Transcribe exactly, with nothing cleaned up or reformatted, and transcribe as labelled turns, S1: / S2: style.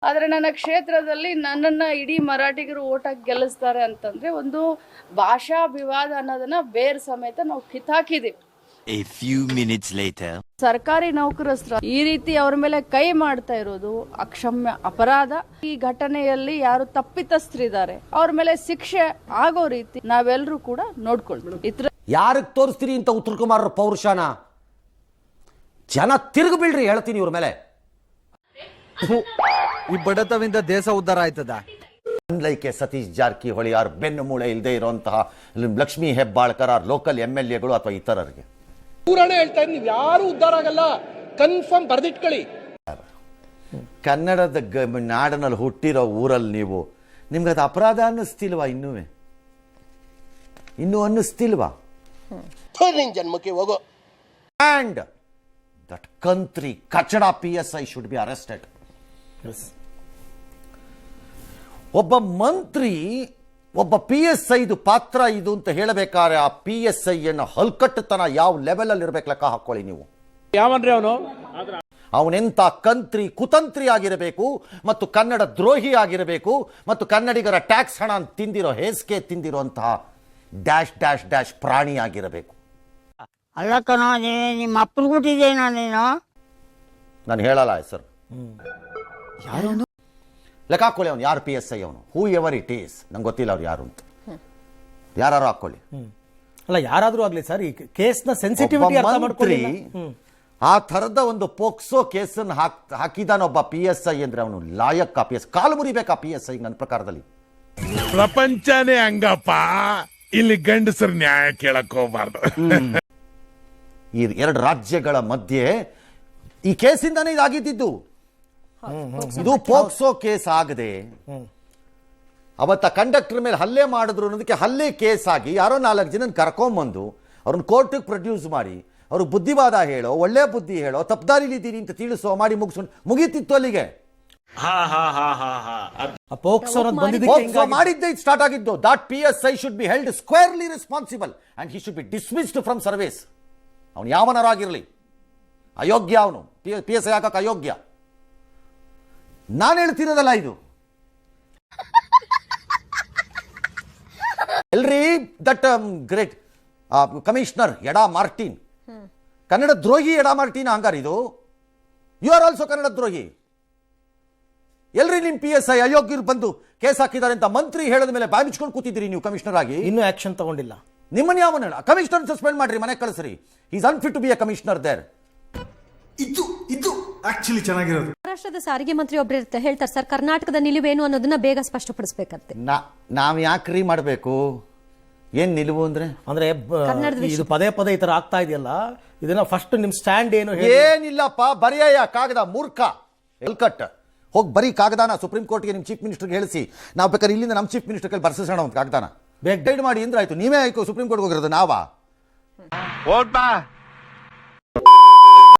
S1: ಆದರೆ ನನ್ನ ಕ್ಷೇತ್ರದಲ್ಲಿ ನನ್ನನ್ನು ಇಡೀ ಮರಾಠಿಗರು ಓಟಾಗಿ ಗೆಲ್ಲಿಸ್ತಾರೆ ಅಂತಂದರೆ ಒಂದು ಭಾಷಾ ವಿವಾದ ಅನ್ನೋದನ್ನ ಬೇರ್ ಸಮೇತ ನಾವು ಕಿತ್ತಾಕಿದ್ದೀವಿ.
S2: A few minutes later.
S1: ಸರ್ಕಾರಿ ನೌಕರಸ್ಥರು ಈ ರೀತಿ ಅವ್ರ ಮೇಲೆ ಕೈ ಮಾಡ್ತಾ ಇರೋದು ಅಕ್ಷಮ್ಯ ಅಪರಾಧ. ಈ ಘಟನೆಯಲ್ಲಿ ಯಾರು ತಪ್ಪಿತಸ್ಥರಿದ್ದಾರೆ ಅವ್ರ ಮೇಲೆ ಶಿಕ್ಷೆ ಆಗೋ ರೀತಿ ನಾವೆಲ್ಲರೂ ಕೂಡ ನೋಡ್ಕೊಳ್ತೀವಿ.
S3: ಯಾರಿಗೆ ತೋರಿಸ್ತೀರಿ ಇಂತ ಉತ್ತರ ಕುಮಾರ್ ಪೌರುಷನ? ಜನ ತಿರುಗಿ ಬೀಳ್ರಿ ಹೇಳ್ತೀನಿ ಇವ್ರ ಮೇಲೆ.
S4: ಈ ಬಡತವಿಂದ ದೇಶ ಉದ್ಧಾರ ಆಯ್ತದ?
S3: ಲೈಕೆ ಸತೀಶ್ ಜಾರಕಿಹೊಳಿ ಯಾರು ಬೆನ್ನು ಮೂಳೆ ಇಲ್ಲದೆ ಇರುವಂತಹ Lakshmi Hebbalkar local M L ಎಗಳು ಅಥವಾ ಇತರರಿಗೆ
S5: ಪೂರಾಣೆ ಹೇಳ್ತಾ ಇದ್ದೀನಿ, ಯಾರು ಉದ್ಧಾರ ಆಗಲ್ಲ, ಕನ್ಫರ್ಮ್ ಬರ್ದಿಟ್ಕೊಳ್ಳಿ.
S3: ಕನ್ನಡದ ನಾಡಿನಲ್ಲಿ ಹುಟ್ಟಿರೋ ಊರಲ್ಲಿ ನೀವು ನಿಮ್ಗೆ ಅದು ಅಪರಾಧ ಅನ್ನಿಸ್ತಿಲ್ವಾ? ಇನ್ನೂ ಇನ್ನೂ ಅನ್ನಿಸ್ತಿಲ್ವಾ?
S5: ಜನ್ಮಕ್ಕೆ ಹೋಗೋ.
S3: And that country ಕಚಡ P S I should be arrested. ಒಬ್ಬ ಮಂತ್ರಿ ಒಬ್ಬ ಪಿ ಎಸ್ ಐದು ಪಾತ್ರ ಇದು ಅಂತ ಹೇಳಬೇಕಾದ್ರೆ ಆ ಪಿ ಎಸ್ ಐ ಅನ್ನ ಹಲ್ಕಟ್ಟತನ ಯಾವ ಲೆವೆಲ್ ಅಲ್ಲಿ ಇರ್ಬೇಕು ಲೆಕ್ಕ ಹಾಕೊಳ್ಳಿ ನೀವು.
S5: ಯಾವನ್ರಿ ಅವನು?
S3: ಅವನೆಂತ ಕಂತ್ರಿ ಕುತಂತ್ರಿ ಆಗಿರಬೇಕು ಮತ್ತು ಕನ್ನಡ ದ್ರೋಹಿ ಆಗಿರಬೇಕು ಮತ್ತು ಕನ್ನಡಿಗರ ಟ್ಯಾಕ್ಸ್ ಹಣ ತಿಂದಿರೋ ಹೇಸಿಗೆ ತಿಂದಿರುವಂತಹ ಡ್ಯಾಶ್ ಡ್ಯಾಶ್ ಡ್ಯಾಶ್ ಪ್ರಾಣಿ ಆಗಿರಬೇಕು.
S6: ಅಲ್ಲ ಕಣೋ, ನಿಮ್ಮ ಅಪ್ಪನ ಕೊಟ್ಟಿದ್ದೇನೋ ನೀನು?
S3: ನಾನು ಹೇಳಲ್ಲ ಹೆಸರು. ಲೆಕ್ಕ ಹಾಕೊಳ್ಳಿ ಅವನು ಯಾರು ಪಿ ಎಸ್ ಐ ಅವನು, ಹೂ ಎವರ್ ಇಟ್ ಈಸ್, ನಂಗೆ ಗೊತ್ತಿಲ್ಲ ಅವ್ರು ಯಾರು ಅಂತ. ಯಾರು ಹಾಕೊಳ್ಳಿ.
S7: ಅಲ್ಲ ಯಾರಾದ್ರೂ ಆಗ್ಲಿ ಸರ್, ಈ ಕೇಸ್ನ ಸೆನ್ಸಿಟಿವಿಟಿ ಅರ್ಥ ಮಾಡ್ಕೊಳ್ಳಿ.
S3: ಆ ಥರದ ಒಂದು ಪೋಕ್ಸೋ ಕೇಸನ್ನು ಹಾಕ್ ಹಾಕಿದಾನೊಬ್ಬ ಪಿ ಎಸ್ ಐ ಅಂದ್ರೆ ಅವನು ಲಾಯಕ್ ಪಿ ಎಸ್ ಕಾಲು ಮುರಿಬೇಕಾ ಪಿ ಎಸ್ ಐ ನನ್ನ ಪ್ರಕಾರದಲ್ಲಿ.
S8: ಪ್ರಪಂಚನೇ ಹಂಗಪ್ಪ, ಇಲ್ಲಿ ಗಂಡಸರು ನ್ಯಾಯ ಕೇಳಕ್ ಹೋಗ್ಬಾರ್ದು.
S3: ಈ ಎರಡು ರಾಜ್ಯಗಳ ಮಧ್ಯೆ ಈ ಕೇಸಿಂದಾನೇ ಇದಾಗಿದ್ದು. ಇದು ಪೋಕ್ಸೋ ಕೇಸ್ ಆಗದೆ ಅವತ್ತ ಕಂಡಕ್ಟರ್ ಮೇಲೆ ಹಲ್ಲೆ ಮಾಡಿದ್ರು ಅನ್ನೋದಕ್ಕೆ ಹಲ್ಲೆ ಕೇಸ್ ಆಗಿ ಯಾರೋ ನಾಲ್ಕು ಜನ ಕರ್ಕೊಂಬಂದು ಅವ್ರನ್ನ ಕೋರ್ಟಿಗೆ ಪ್ರೊಡ್ಯೂಸ್ ಮಾಡಿ ಅವ್ರಿಗೆ ಬುದ್ಧಿವಾದ ಹೇಳೋ, ಒಳ್ಳೆ ಬುದ್ಧಿ ಹೇಳೋ, ತಪ್ಪದಾರಿಲಿದ್ದೀನಿ ಅಂತ ತಿಳಿಸೋ ಮಾಡಿ ಮುಗಿಸ್ಕೊಂಡು ಮುಗೀತಿತ್ತು ಅಲ್ಲಿಗೆ. ಪೋಕ್ಸೋ ಮಾಡಿದ್ದೆ ಸ್ಟಾರ್ಟ್ ಆಗಿದ್ದು. That P S I should be held squarely responsible and he should be dismissed from service. ಅವನು ಯಾವನರಾಗಿರಲಿ ಅಯೋಗ್ಯ, ಅವನು ಪಿ ಎಸ್ ಐ ಹಾಕಕ್ಕೆ ಅಯೋಗ್ಯ. ನಾನು ಹೇಳ್ತಿರೋದಲ್ಲ ಇದು. ಎಲ್ರಿ that great commissioner Eda Martin Kannada ದ್ರೋಹಿ. ಎಡಾ ಮಾರ್ಟಿನ್ ಹಂಗಾರ ಇದು? ಯು ಆರ್ ಆಲ್ಸೋ ಕನ್ನಡ ದ್ರೋಹಿ. ಎಲ್ರಿ ನಿಮ್ ಪಿ ಎಸ್ ಐ ಅಯೋಗ್ಯರು ಬಂದು ಕೇಸ್ ಹಾಕಿದ್ದಾರೆ ಅಂತ ಮಂತ್ರಿ ಹೇಳಿದ ಮೇಲೆ ಬಾಯಿ ಮುಚ್ಕೊಂಡು ಕೂತಿದ್ದೀರಿ ನೀವು ಕಮಿಷನರ್ ಆಗಿ.
S7: ಇನ್ನೂ ಆಕ್ಷನ್ ತಗೊಂಡಿಲ್ಲ.
S3: ನಿಮ್ಮನ್ನ ಯಾವನ ಹೇಳ? ಕಮಿಷನರ್ ಸಸ್ಪೆಂಡ್ ಮಾಡ್ರಿ, ಮನೆ ಕಳಿಸ್ರಿ. Is unfit to be a commissioner there.
S9: ಇದು ಇದು ಆಕ್ಚುಲಿ ಚೆನ್ನಾಗಿರೋದು.
S10: ಮಹಾರಾಷ್ಟ್ರದ ಸಾರಿಗೆ ಮಂತ್ರಿ ಒಬ್ರು ಇರ್ತಾರೆ, ಹೇಳ್ತಾರೆ ಸರ್ ಕರ್ನಾಟಕದ ನಿಲುವೇನು ಅನ್ನೋದನ್ನ ಬೇಗ ಸ್ಪಷ್ಟಪಡಿಸಬೇಕಂತೆ.
S3: ನಾವ್ ಯಾಕ್ರಿ ಮಾಡ್ಬೇಕು? ಏನ್ ನಿಲುವು ಅಂದ್ರೆ
S7: ಅಂದ್ರೆ ಇದು ಪದೇ ಪದೇ ಈ ತರ ಆಗ್ತಾ ಇದೆಯಲ್ಲ, ಇದನ್ನ ಫಸ್ಟ್ ನಿಮ್ ಸ್ಟ್ಯಾಂಡ್ ಏನು?
S3: ಏನಿಲ್ಲಪ್ಪ, ಬರೆಯ ಕಾಗದ ಮೂರ್ಖ ಎಲ್ಕಟ್ ಹೋಗಿ ಬರೀ ಕಾಗದಾನ ಸುಪ್ರೀಂ ಕೋರ್ಟ್ಗೆ ನಿಮ್ ಚೀಫ್ ಮಿನಿಸ್ಟರ್ಗೆ ಹೇಳಿಸಿ ನಾವು ಬೇಕಾದ್ರೆ ಇಲ್ಲಿಂದ ನಮ್ಮ ಚೀಫ್ ಮಿನಿಸ್ಟರ್ ಕೈಲಿ ಬರ್ಸೋಣ ಒಂದು ಕಾಗದಾನ ಬೇಗ ಗೈಡ್ ಮಾಡಿ ಅಂದ್ರೆ ಆಯ್ತು. ನೀವೇ ಆಯ್ತು ಸುಪ್ರೀಂ ಕೋರ್ಟ್ಗೆ ಹೋಗಿರೋದು ನಾವಾ?